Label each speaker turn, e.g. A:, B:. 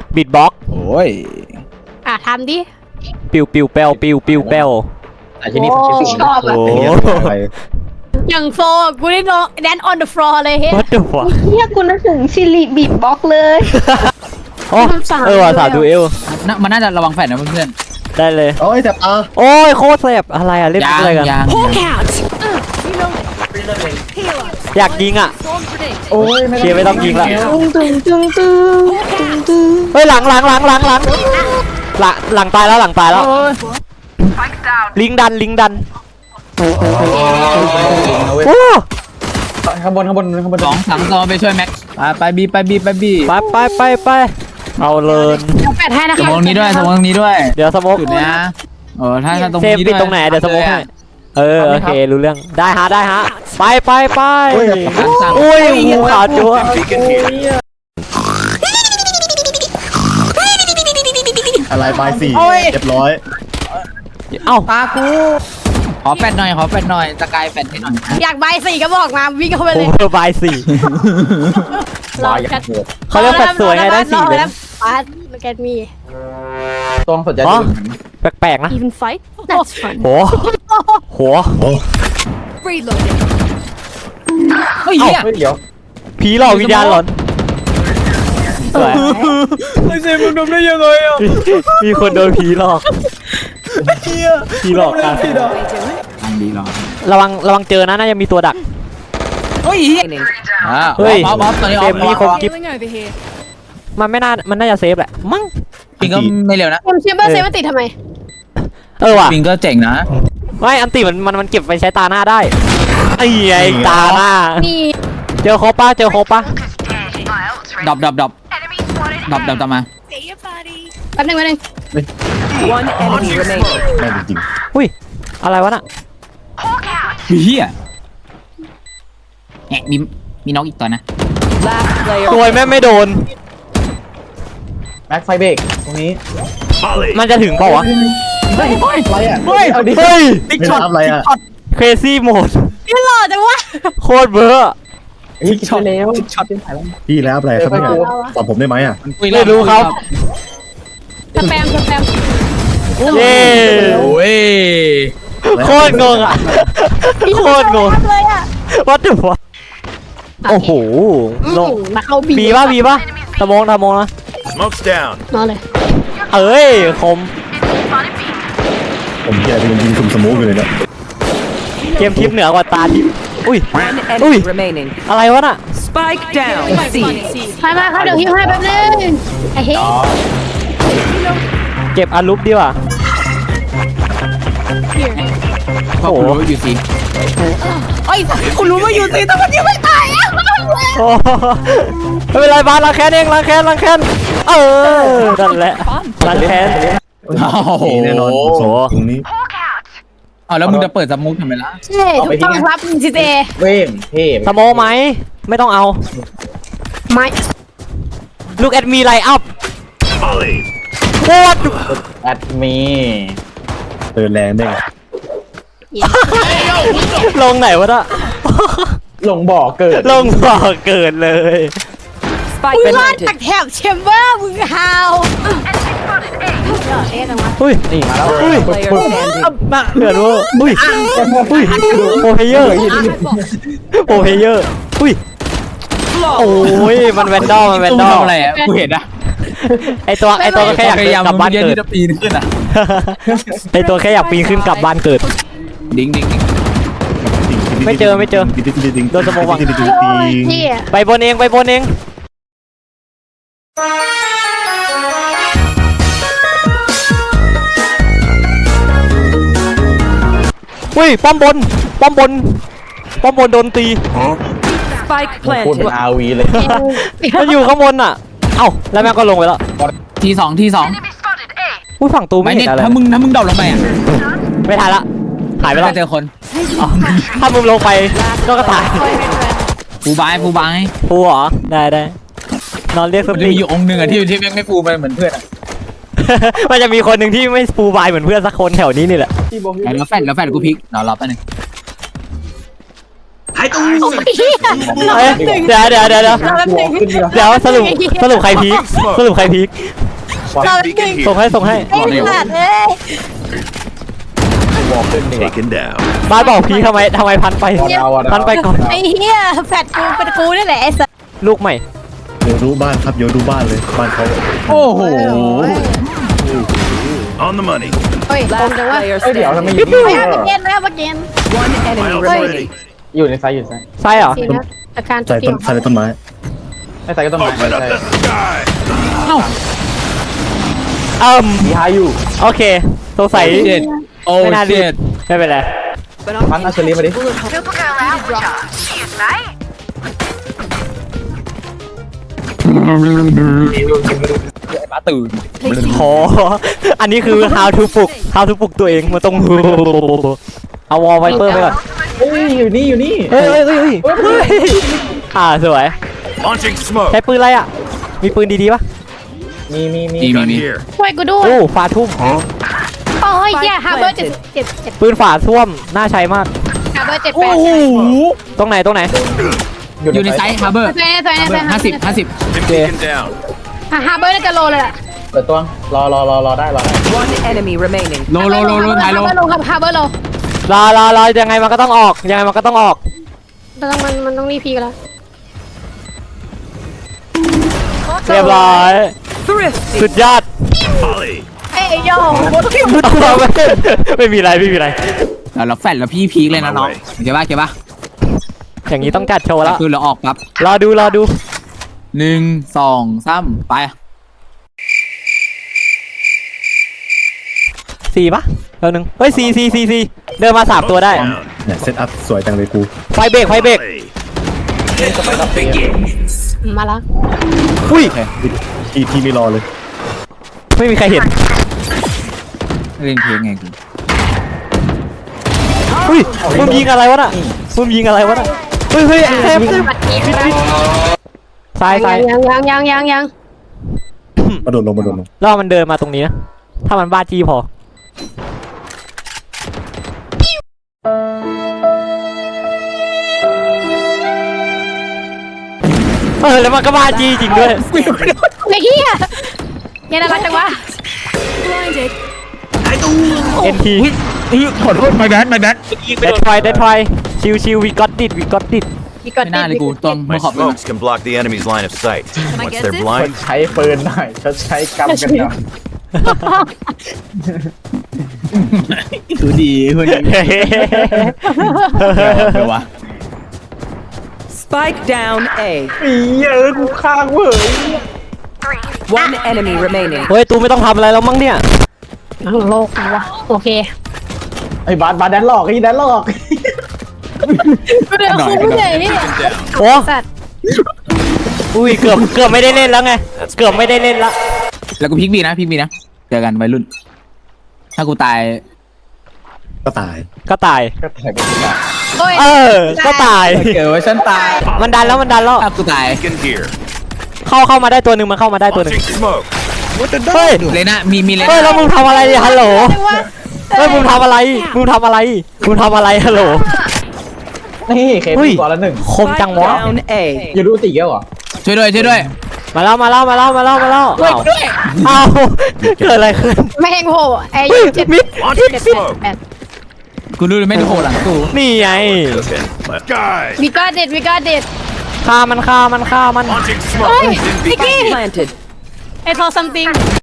A: บิดบ็อก
B: โอ้ย
C: ทำดิ
A: ปิวปิวแปวปิวปิวแปว
D: แต่ที่นี่ผมคิดถึง
C: ชอบ
A: โอ้
B: อะไร
C: อย่างโฟกูได้นอนแดน on the floor เลยเฮ้
A: วัดเดือวะ
E: เฮียกูนึกถึงชิลิบีบบ็อกเลย
A: โอ้ว่ะสาดูเอล
D: มันน่าจะระวังแฟนนะเพื่อน
A: ได้เลย
B: โอ้ยแต่ตา
A: โอ้ยโคตรแสบอะไรอะเล่น
D: ยาง
A: อะไรกัน
D: ยาง
A: อยากยิงอ่ะ
B: โอ้ย
A: เชียร์ไม่ต้องยิงละ
E: ตึง
A: เฮ้ยหลังตายแล้วหลังตายแล้วลิงดันโอ้
B: ข้างบน
D: สองสามตัวไปช่วยแม็กไปบี
A: ไปเอาเลย
C: เดี๋ยวแปดให้นะ
D: ส
C: คะ
D: มองนี้ด้วยสมองนี้ด้วย
A: เดี๋ยวสโมก
D: จุดเนี้ยถ้าตรง
A: เซฟ
D: นี้
A: ปิ
D: ด้
A: ด
D: วย
A: ตรงไหนเดี๋ยวสโมกให้โอเครู้เรื่องได้ฮะไปอุ้ยหูขาวจั๊ว
B: อะไรปลายสี่เรียบร้อย
A: เอ้า
D: ปากูขอแฟนหน่อยสกายแฟนให้หน่อย
C: อยากใบสี่ก็บอกมาวิ่งเข้าไป
A: โอ
C: เลย
A: เวอร์บาย4
C: เราจะ
A: เขาเรียกแฟดสวยไงได้4เลย
C: ปัดแกมี
B: ตรงสนใจ
A: อ๋อแปลกๆนะ
C: even fight that's fun
A: โห
C: reloading
D: เฮ้ยเหี้ย
B: เดี๋ยว
A: ผีหลอกวิญญาณหลอนสวย
D: ไอ้เซมึงทำได้ยังไงอ่ะ
A: มีคนโดนผีหลอกผีหลอกกัน
D: ดีหรอ
A: ระวังเจอนะน่าจะมีตัวดัก
D: เฮ้ยเหี้ย
A: เฮ้ย
D: บอสตอนนี้
A: เกมนี้คง
C: Healing over here
A: มันน่าจะเซฟแหละมั้ง
D: ปิงก็ไม่เร็วนะ
C: คุณเชมเบอร์เซฟมันติดทำไม
A: ว่ะ
D: ปิงก็เจ๋งนะ
A: ไม่อันติมันเก็บไปใช้ตาหน้าได้ไอ้ตาหน้า
C: นี่
A: เจอครบปะ
D: ดรอปตามมา
C: แป๊บนึง
F: One enemy remaining.
B: แม่จริง
A: อุ้ยอะไรวะน่ะ
D: เฮียแหมมีน้องอีกตัวนะ
F: Last player.
A: โวยแม่ไม่โดน
B: แม็กไฟเบรกตรงนี้
A: มันจะถึงเปล่าวะ
B: อะไรอ่ะ
D: เฮ้ย
B: เอาดิ
A: เฮ้ย
B: ไม่รับอะไรอ่ะ
A: crazy mode
C: พี่หล่อจังวะ
A: โคตรเบอร์
B: ช็อตแล้วช็อตพี่แล้วอะไรครับเนี่ยตอบผมได้ไหมอ่ะ
A: ไม่รู้ครับ
C: สแปม
A: เย้
D: โอ้ย
A: โคตรงงอ่ะโคตรงง
C: เลยอ่ะ
A: what the fuck โอ้โหลง
C: มาเข้าบี
A: บีป่ะตะมงนะ
G: Smoke's down.
C: นอนเลย
A: เอ้ยคม
B: ผมแกเป็นยิงคุมสมูทอยู่เลยเนี่ย
A: เกมทิปเหนือกว่าตาทิปอุ้ย
F: One enemy remaining.
A: อะไรวะน่ะ
F: Spike down. C.
C: ใครมาครับเดี๋ยวฮิวให้แป๊บนึงไอ้เฮ้ย
A: เก็บอารุปดีกว่า
D: พอคุณรู้อยู่สิ
C: เอ้ยคุณรู้ว่าอยู่ตีแต่มันยังไม่ตายอ่ะ
A: โอ้ไม่เป็นไรบ้านล้างแค้นเองล้างแค้นเออนั่นแหละล้างแค้น
D: โอ้โห
B: แน่นอนตรงนี้
D: แล้วมึงจะเปิดสมุกทำไมล่ะ
C: ใช่ถูกต้องครับจีเจ
B: เว้งเท่
A: สโมไหมไม่ต้องเอา
C: ไม่
A: Look at me light up
G: Molly.
A: โคตร
B: แอดมีเตือนแรงได้ไง
A: ลงไหนวะน่ะ
B: ลงบ่อเกิด
A: ลงบ่อเกิดเลย
F: Spike
C: มึงรอด
F: planted.
C: จากแถบแชมเบอร์มึงฮาวเอ๊ะจังวะ
A: อุ้ยนี่อุ้ย
F: Player standing.
A: น่ะเดือดเวอร์อุ้ยโปรเพเยอร์อุ้ยโอ้ยมันแวนดอล
D: ตู้ทำอะไรอ่ะกูเห็นนะ
A: ไอตัวก็แค่อยาก
D: พยายาม
A: กลับบ้าน
D: เยอะ
A: เกิด
D: ที่จะปีนขึ้นอ่ะ
A: ไอตัวแค่อยากปีนขึ้นกลับบ้านเกิด
D: ดิ้ง
A: ไม่เจอโดนสมองวาง
C: พี่
A: ไปบนเองอุ้ยป้อมบนโดนตี
F: Spike
B: พูด
F: planted.
B: อาวีเลย
A: มันอยู่ข้างบนอ่ะเอ้าแล้วแม่งก็ลงไปแล้ว
D: ทีสอง
A: อุ้ยฝั่งตู
D: ไม่
A: ไม่
D: เนี่
A: เห็
D: ย
A: นอะไร
D: ถ้ามึงดรอปลงไปอ่ะ
A: ไม่ทันละหายไป
D: ไม่
A: แล้ว
D: เจอคน
A: อ๋อถ้ามึงลงไปก็ตาย
D: ฟูบาย
A: ฟูเหรอได้นอนเรียกส
D: มันจะ
A: ปี
D: มีอยู่องค์หนึ่งอ่ะที่ไม่ฟูไปเหมือนเพื่อนอ่ะ
A: มันจะมีคนหนึ่งที่ไม่ฟูบายเหมือนเพื่อนสักคนแถวนี้นี่แหละ
D: แล้วแฟนกูพลิกรอแป๊บนึง
G: I see.
A: เอ้ยเดี๋ยวสรุปใครพีคสรุปใครพีค
G: Beacon
A: ส่ง
G: here.
A: ให้
C: ไอ้สัตว์เอ้ย
G: Taken down.
A: บ้านบอกพีคทำไมพันไปพันไปก่อน
C: ไอ้เหี้ยแฟดกูเป็นกูนี่แหละไอ้สัตว์
A: ลูกใหม่
B: เดี๋ยวรู้บ้านครับเดี๋ยวดูบ้านเลยบ้านเขา
D: โอ้โห
G: On the money.
C: เฮ้ยโกง
F: Last
C: จังวะ
F: player
E: เดี๋ยว
F: standing.
E: ทำไม
C: ไม่เอามาเกณฑ์ไม่เอามาเกณฑ์
F: One enemy
G: Miles
F: remaining.
G: ready.
E: อยู่ในไซส์อยู่ในไซส์
A: ใช่เหรอ
C: ทีนะอาการ
B: ใส่
C: เป
B: ต้
C: ลี่
B: น
C: ยน
B: ใส่ในต้นไม้
E: ในไซส์ก็ต้องมา
G: Open up the sky.
E: มีฮาอยู่
A: โอเคสงสัย
D: เจ็ดโอ้
A: ไม่น่ารี
D: เจ็
A: บ
D: ด
A: ไม่เป็นไร
E: พันเอาเชอรี่มาดิ
D: มาตื่น
A: โหอันนี้คือ how to ปลุกตัวเองมันต้องเอาวอลไวเปอร์ไปก่อน
E: เฮ้ยอยู่นี่
A: เฮ้ยสวย
G: Launching smoke.
A: ใช้ปืนอะไรอ่ะมีปืนดีๆปะ
E: มี
G: Gun here.
C: ช่วยกูด้วย
A: โอ้ฝาทุ่ม
C: โอ้ยเหี้ยฮาร์เบอร์เจ็ด
A: ปืนฝาท่วมน่าใช้มาก
C: ฮาร์เบอร์7
D: โอ้โห
A: ตรงไหน
D: อยู่ในไซส์ฮาร์เบอร์
C: 8ตัวนี้
D: 50
G: Beacon down.
C: ฮาร์เบอร์น่าจะโลเลยแหละ
E: เปิดตัวรอได้
F: One enemy remaining.
D: โลถ่ายโล
C: ฮาร์เบอร์โลครับฮาร์เบอร์โล
A: รอยังไงมันก็ต้องออก
C: มันต้องรีพีกันแล้ว
A: เรียบร้อย
F: Thrifty.
A: สุดยอด
G: Volley.
C: เอ้ยโย่
A: ไม่มีอะไร
D: เราแฟดแล้วพี่พีคเลยนะน้องเก็บป่ะ
A: อย่างนี้ต้องจัดโชว์แล้ว
D: คือเราออกปั๊บ
A: รอดู
D: 1 2 3ไป
A: 4ปะแล้วนึงเฮ้ย4เดินมา3ตัวได้
G: Down.
B: เนี่ยเซตอัพสวยจังเลยกู
A: ไฟเบรก
G: Volley.
C: มาแล้ว
A: อุ้ย
B: ที่ไม่รอเลย
A: ไม่มีใครเห็น
D: เล่นเพลงไงกู
A: อุ้ยมึงยิงอะไรวะน่ะเฮ้ยเซฟซ้าย
C: ยัง
B: มาโดดลง
A: รอมันเดินมาตรงนี้นะถ้ามันบ้าจี้พอแล้วมันก็บ้าจี้จริงด้วย
C: ไอ้เหี้ยยังน่ารักจังวะ
A: NT
D: ขอโทษmy bad
A: Dead try ชิว we got it
C: มีก่อน
D: ไม่น่าเลยกูตรงมื
G: My
D: อขอบเลย
G: smokes can block the enemy's line of sight. Once they're blind,
E: ใช้ปืนหน่อยเขาใช้กำกันหน่อย
D: คือดีคือดีเดี๋ยววะ
F: Spike down A.
E: เยอะกูข้างเว้ย
F: One enemy remaining.
A: เฮ้ยตูไม่ต้องทำอะไรแล้วมั้งเนี่ย
C: โลกวะโอเค
E: ไอ้บาสแดนหลอกไอ้แดนหลอก
C: ก็เดินคุ้มเลยนี่
A: โอ้
C: สัตว์
A: อุ้ยเกือบไม่ได้เล่นแล้วไงเกือบไม่ได้เล่นละ
D: แล้วกูพีคบีนะเจอกันวัยรุ่น ถ้ากูตาย
B: ก็ตาย
A: ก็ตาย
E: ก็ถ่ายไปได้
C: โอ้ย
A: ก็ตาย
E: เกิดว่าฉันตาย
A: มันดันแล้ว
D: ถ้ากูตาย
G: beacon here.
A: เข้ามาได้ตัวหนึ่งมันเข้ามาได้ตัวหนึ่ง
G: Launching smoke.
A: เฮ้ย
D: เลยนะมีเลย
A: เฮ้ยแล้วมึงทำอะไรเนี่ยฮัลโหล
C: จังวะ
A: เฮ้ยมึงทำอะไรฮัลโหล
E: นี่เค
A: อุ้ย
E: ก่อนละหนึ่ง
A: คมจังวะ
F: Down A.
E: อยู่ดูตีเยอะเหรอ
D: ช่วยด้วย
A: มาแล้วอ้าวเกิดอะไรขึ้น
C: ไม่เฮงโหไอ้
A: เฮ้ย
C: 7
A: มิด
G: Launching smoke.
D: กูรู้เลยไม่โทรหลังกู
A: นี่ไง
G: Cooking. Left guy.
C: มีก้อนเด็ด
A: ฆ่ามัน
G: Launching smoke.
C: เฮ้ย
G: In
C: นิกกี้
F: Planted.
C: ไอ้ทอ something